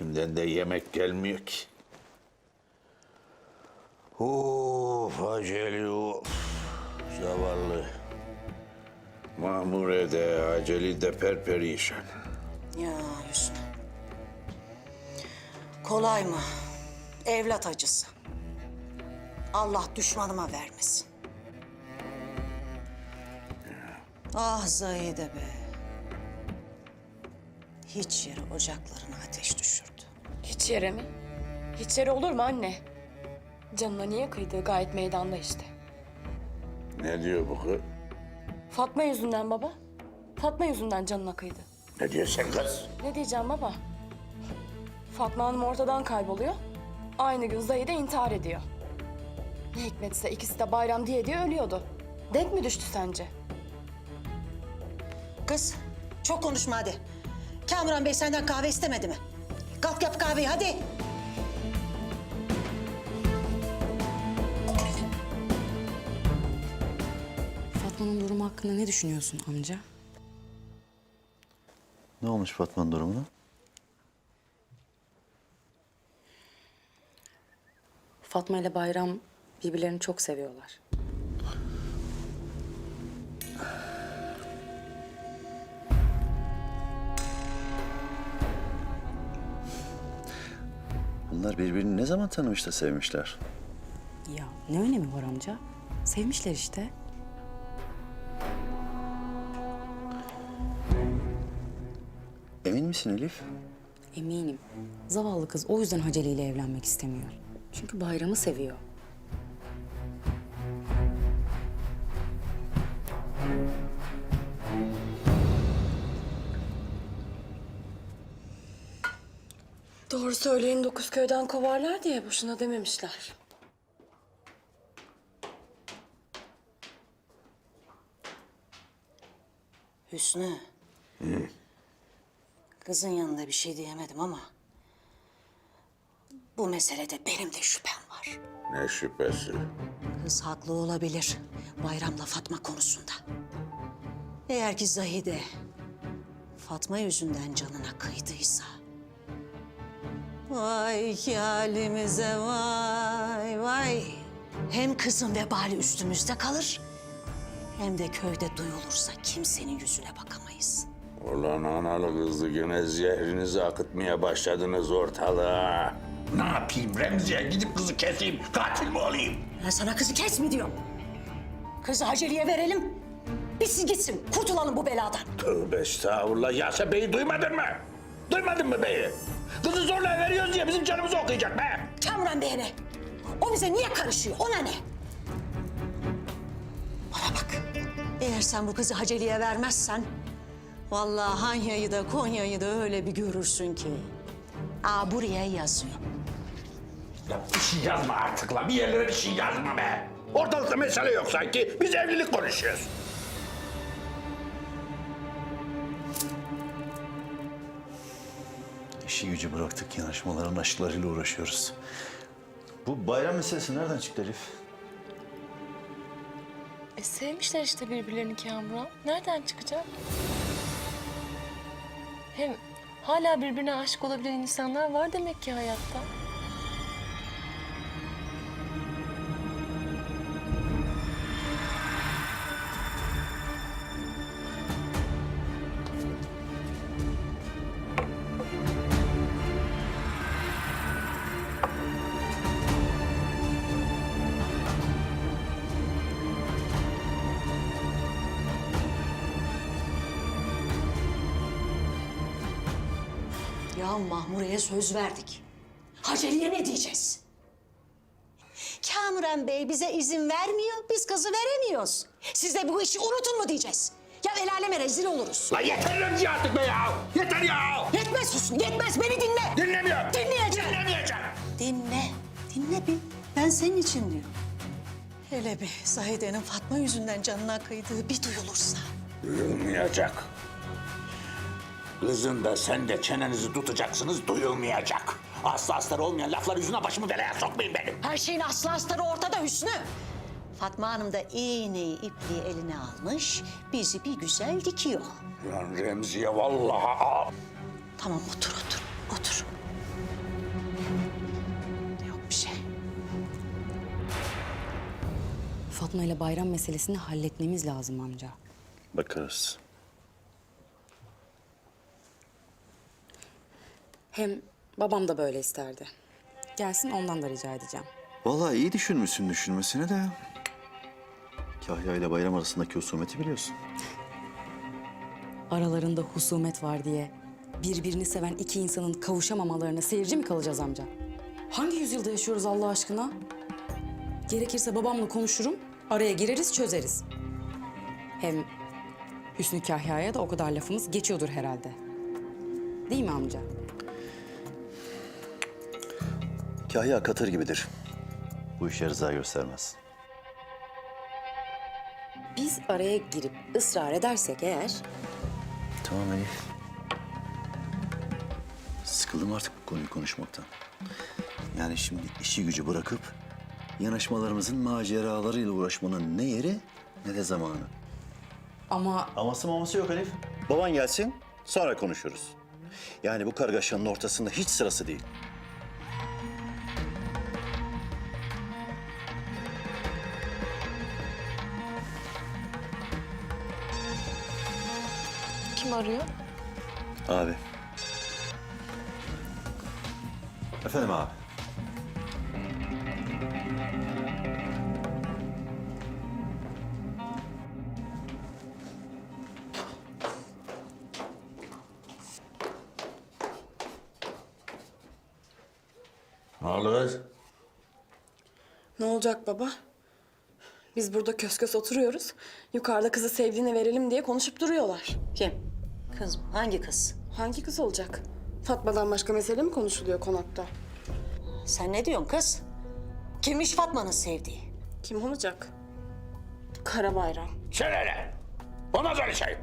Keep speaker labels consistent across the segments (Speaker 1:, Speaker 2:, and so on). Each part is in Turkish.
Speaker 1: içimden de yemek gelmiyor ki. Of aceli of. Zavallı. Mamure de aceli de perperişan.
Speaker 2: Ya Hüsnü. Kolay mı? Evlat acısı. Allah düşmanıma vermesin. Ah Zahide be. Hiç yere ocaklarına ateş düşürdü.
Speaker 3: Hiç yere mi? Hiç yere olur mu anne? Canına niye kıydığı gayet meydanda işte.
Speaker 1: Ne diyor bu kız?
Speaker 3: Fatma yüzünden baba. Fatma yüzünden canına kıydı.
Speaker 1: Ne diyorsun kız?
Speaker 3: Ne diyeceğim baba? Fatma Hanım ortadan kayboluyor. Aynı gün Zahide intihar ediyor. Ne hikmetse ikisi de bayram diye ölüyordu. Denk mi düştü sence?
Speaker 2: Kız çok konuşma hadi. Kamuran Bey senden kahve istemedi mi? Kalk yap kahveyi hadi.
Speaker 4: Fatma'nın durumu hakkında ne düşünüyorsun amca?
Speaker 5: Ne olmuş Fatma'nın durumuna?
Speaker 4: Fatma ile Bayram birbirlerini çok seviyorlar.
Speaker 5: Bunlar birbirini ne zaman tanımış da sevmişler?
Speaker 4: Ya ne önemi var amca? Sevmişler işte.
Speaker 5: Emin misin Elif?
Speaker 4: Eminim. Zavallı kız o yüzden Haceli ile evlenmek istemiyor. Çünkü Bayram'ı seviyor.
Speaker 3: Doğru söyleyin 9 köyden kovarlar diye boşuna dememişler.
Speaker 2: Hüsnü. Kızın yanında bir şey diyemedim ama... ...bu meselede benim de şüphem var.
Speaker 1: Ne şüphesi?
Speaker 2: Kız haklı olabilir Bayram'la Fatma konusunda. Eğer ki Zahide Fatma yüzünden canına kıydıysa... Vay ki halimize vay vay. Hem kızın vebali üstümüzde kalır... ...hem de köyde duyulursa kimsenin yüzüne bakamayız.
Speaker 1: Ulan analı kızlı gene zehrinizi akıtmaya başladınız ortalığa. Ne yapayım Remzi'ye gidip kızı keseyim, katil mi olayım?
Speaker 2: Ben sana kızı kes mi diyorum? Kızı Haceli'ye verelim. Bitsin gitsin. Kurtulalım bu beladan.
Speaker 1: Tövbe estağfurullah. Ya sen beyi duymadın mı? Duymadın mı beyi? Kızı zorla veriyoruz diye bizim canımızı okuyacak be.
Speaker 2: Kamuran Bey'e ne? O bize niye karışıyor? Ona ne? Bana bak. Eğer sen bu kızı Haceli'ye vermezsen... ...vallahi Hanya'yı da Konya'yı da öyle bir görürsün ki... ...aa buraya yazıyor.
Speaker 1: Ya bir şey yazma artık la. Bir yerlere bir şey yazma be. Ortalıkta mesele yok sanki. Biz evlilik konuşuyoruz.
Speaker 5: İşi gücü bıraktık, yanaşmaların aşklarıyla uğraşıyoruz. Bu bayram meselesi nereden çıktı Elif?
Speaker 3: Sevmişler işte birbirlerini Kamuran. Nereden çıkacak? Hem hala birbirine aşık olabilen insanlar var demek ki hayatta.
Speaker 2: Ya Mahmure'ye söz verdik. Haceli'ye ne diyeceğiz? Kamuran Bey bize izin vermiyor, biz kızı veremiyoruz. Siz de bu işi unutun mu diyeceğiz? Ya el aleme rezil oluruz.
Speaker 1: La yeter Remzi artık be ya. Yeter ya.
Speaker 2: Yetmez Hüsnü, yetmez. Beni dinle.
Speaker 1: Dinlemiyorum.
Speaker 2: Dinleyeceğim.
Speaker 1: Dinlemeyeceğim.
Speaker 2: Dinle, dinle bir. Ben senin için diyorum. Hele bir Zahide'nin Fatma yüzünden canına kıydığı bir duyulursa.
Speaker 1: Duyulmayacak. Kızın da sen de çenenizi tutacaksınız, duyulmayacak. Aslı astarı olmayan laflar yüzüne başımı belaya sokmayın benim.
Speaker 2: Her şeyin aslı astarı ortada Hüsnü. Fatma Hanım da iğneyi ipliği eline almış, bizi bir güzel dikiyor.
Speaker 1: Lan Remziye vallahi...
Speaker 2: Tamam otur, otur, otur.
Speaker 4: Fatma ile bayram meselesini halletmemiz lazım amca.
Speaker 5: Bakarız.
Speaker 4: Hem babam da böyle isterdi. Gelsin ondan da rica edeceğim.
Speaker 5: Vallahi iyi düşünmüşsün düşünmesine de. Kahya ile bayram arasındaki husumeti biliyorsun.
Speaker 4: Aralarında husumet var diye birbirini seven iki insanın kavuşamamalarına seyirci mi kalacağız amca? Hangi yüzyılda yaşıyoruz Allah aşkına? Gerekirse babamla konuşurum, araya gireriz, çözeriz. Hem Hüsnü Kahya'ya da o kadar lafımız geçiyordur herhalde. Değil mi amca?
Speaker 5: Kahya katır gibidir. Bu işe rıza göstermez.
Speaker 4: Biz araya girip ısrar edersek eğer...
Speaker 5: Tamam Elif. Sıkıldım artık bu konuyu konuşmaktan. Yani şimdi işi gücü bırakıp yanaşmalarımızın maceralarıyla uğraşmanın ne yeri ne de zamanı.
Speaker 4: Ama
Speaker 5: Aması maması yok Elif. Baban gelsin, sonra konuşuruz. Yani bu kargaşanın ortasında hiç sırası değil.
Speaker 3: Kim arıyor?
Speaker 5: Abi. Efendim abi.
Speaker 1: Ne oldu kız?
Speaker 3: Ne olacak baba? Biz burada kös kös oturuyoruz. Yukarıda kızı sevdiğine verelim diye konuşup duruyorlar.
Speaker 2: Kim? Kız mı? Hangi kız?
Speaker 3: Hangi kız olacak? Fatma'dan başka mesele mi konuşuluyor konakta?
Speaker 2: Sen ne diyorsun kız? Kimmiş Fatma'nın sevdiği?
Speaker 3: Kim olacak? Karabayram.
Speaker 1: Sen hele. Olmaz öyle şey.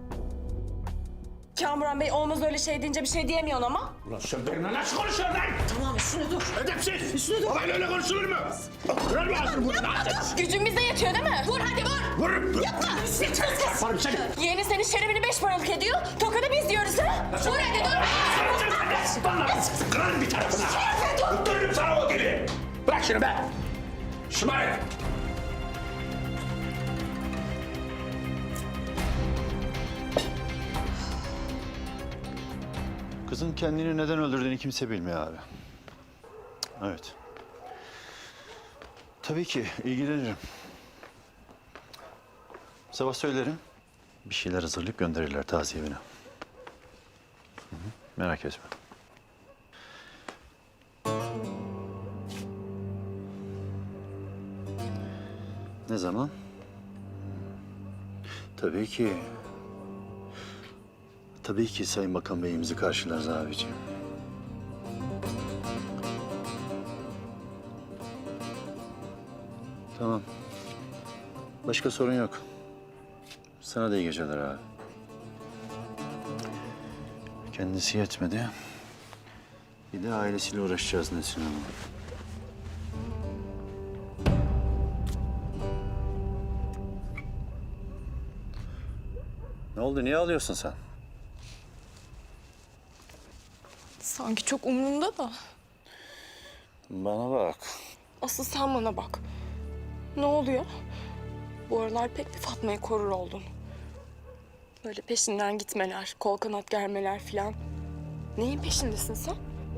Speaker 3: Kamuran Bey olmaz öyle şey deyince bir şey diyemiyorsun ama.
Speaker 1: Ulan sen benimle nasıl konuşuyorsun lan?
Speaker 2: Tamam Hüsnü dur.
Speaker 1: Edepsiz. Üstüne dur. Babayla öyle konuşulur mu? Kırar mı ağzını burnunu?
Speaker 3: Gücün bize yetiyor değil mi? Vur hadi vur.
Speaker 1: Vururum. Yapma. Yaparım seni.
Speaker 3: Yeğeni senin şerefini 5 paralık ediyor. Tokadı biz diyoruz ha. Vur hadi dur.
Speaker 1: Bana kırarım bir tarafına. Öldürürüm sana o dili. Bırak şunu be. Şımarık.
Speaker 5: Kızın kendini neden öldürdüğünü kimse bilmiyor abi. Evet. Tabii ki ilgilenirim. Sabah söylerim. Bir şeyler hazırlayıp gönderirler taziye evine. Hı hı, merak etme. Ne zaman? Tabii ki. Tabii ki Sayın Bakan Bey'imizi karşılarız abiciğim. Tamam. Başka sorun yok. Sana da iyi geceler abi. Kendisi yetmedi. Bir de ailesiyle uğraşacağız Nesin Hanım. Ne oldu? Niye ağlıyorsun sen?
Speaker 3: Sanki çok umurumda da.
Speaker 5: Bana bak.
Speaker 3: Asıl sen bana bak. Ne oluyor? Bu aralar pek bir Fatma'yı korur oldun. Böyle peşinden gitmeler, kol kanat germeler filan. Neyin peşindesin sen?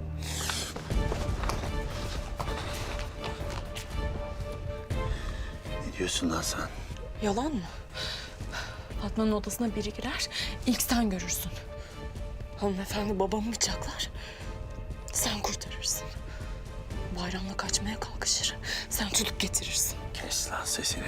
Speaker 5: Ne diyorsun lan sen?
Speaker 3: Yalan mı? Fatma'nın odasına biri girer, ilk sen görürsün. Hanımefendi babamı bıçaklar, sen kurtarırsın. Bayramla kaçmaya kalkışır, sen tutup getirirsin.
Speaker 5: Kes lan sesini.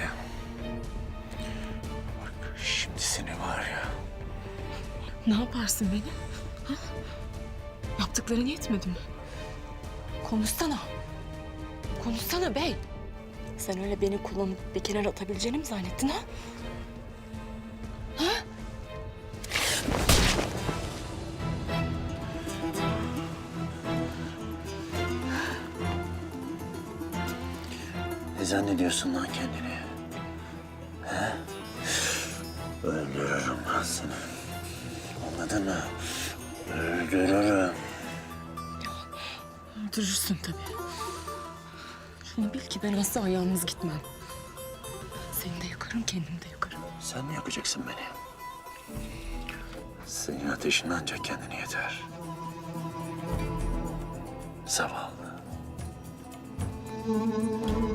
Speaker 5: Bak şimdi seni var ya.
Speaker 3: Ne yaparsın beni? Ha? Yaptıkların yetmedi mi? Konuşsana. Konuşsana bey. Sen öyle beni kullanıp bir kenara atabileceğini mi zannettin ha? Ha?
Speaker 5: Ne zannediyorsun lan kendini? He? Öldürürüm lan seni. Anladın mı? Öldürürüm.
Speaker 3: Öldürürsün tabii. Şunu bil ki ben asla yalnız gitmem. Seni de yakarım, kendimi de yakarım.
Speaker 5: Sen mi yakacaksın beni? Senin ateşin ancak kendine yeter. Zavallı.